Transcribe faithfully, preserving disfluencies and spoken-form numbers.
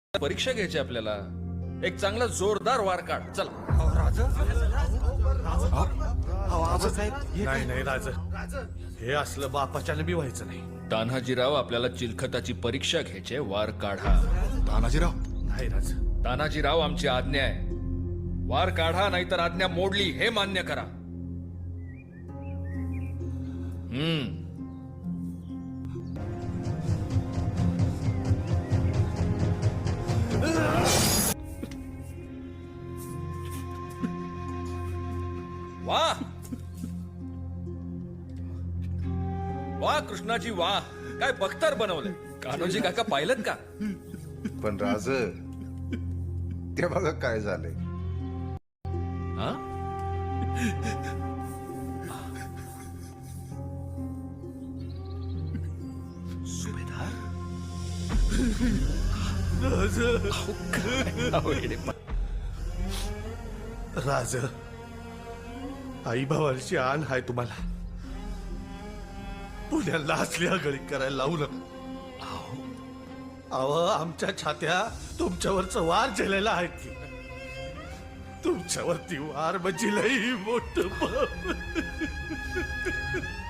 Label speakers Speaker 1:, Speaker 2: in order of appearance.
Speaker 1: परीक्षा घ्यायची आपल्याला. एक चांगला जोरदार वार काढ. चला.
Speaker 2: नाही नाही राज, हे असलं बापाच्याने बी व्हायचं नाही.
Speaker 1: तान्हाजीराव, आपल्याला चिलखताची परीक्षा घ्यायची, वार काढा.
Speaker 3: तानाजीराव,
Speaker 2: नाही राज.
Speaker 1: तानाजीराव, आमची आज्ञा आहे. वार काढा, नाहीतर आज्ञा मोडली हे मान्य करा. हम्म वाह वाह कृष्णाजी, वाह. काय बख्तर बनवलंय. कान्होजी काका पाहिलं का?
Speaker 4: पण राज, ते बघा काय झालंय.
Speaker 1: हा? सुभेदार.
Speaker 2: राज, आई भावाची आण हाय तुम्हाला. पुण्याला असली आगळी करायला लावू नका. अहो, आमच्या छात्या तुमच्यावरचं वार झेलेला आहेत की. तुमच्यावरती वार म्हणजे लई मोठं पाप.